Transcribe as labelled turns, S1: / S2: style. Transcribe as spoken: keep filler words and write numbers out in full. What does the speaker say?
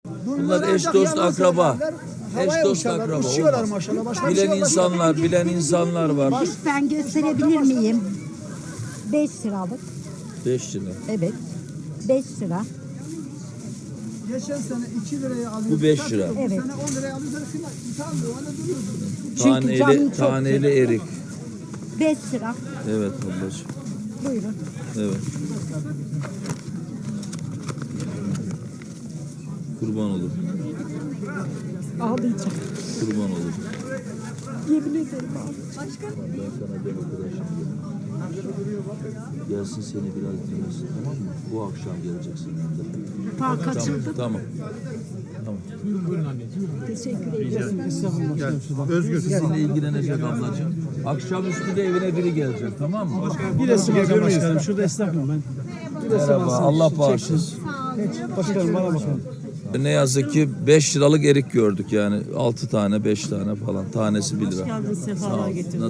S1: Bunlar eş dost akraba. Eş dost
S2: uçarlar,
S1: akraba.
S2: uçuyorlar
S1: Olmaz.
S2: maşallah. Başka bir
S1: Bilen
S2: şey yok.
S1: insanlar, bilen insanlar var.
S3: Lütfen gösterebilir miyim? beş liralık.
S1: Beş lira.
S3: Evet. beş lira.
S2: Geçen sene iki liraya alıyorduk.
S1: Bu beş lira.
S2: Bu
S3: Evet.
S2: sene on liraya alıyorlar. Utanmıyor. Öyle duruyordu.
S3: Çünkü canım
S1: Taneli,
S3: çok
S1: taneli erik.
S3: beş lira.
S1: Evet ablacığım.
S3: Buyurun.
S1: Evet. Kurban olur.
S3: Ağlayacağım.
S1: Kurban olur.
S3: Yemin ederim abi.
S1: Ben sana bir arkadaşım gelsin seni biraz dinlesin, tamam mı? Bu akşam geleceksin.
S3: Park
S1: Tamam,
S3: açıldı.
S1: tamam. Tamam.
S3: Teşekkür ederim.
S1: Özgür sizinle ilgilenecek ablacığım. Akşamüstü de evine biri gelecek, tamam mı?
S2: Bir resim alacağım başkanım. Şurada esnafım ben.
S1: Merhaba, Allah bağışlasın.
S2: Başkanım bana bakın.
S1: Ne yazık ki beş liralık erik gördük yani. altı tane, beş tane falan. Tanesi bir lira.
S4: Geldin, sefalar getirdin.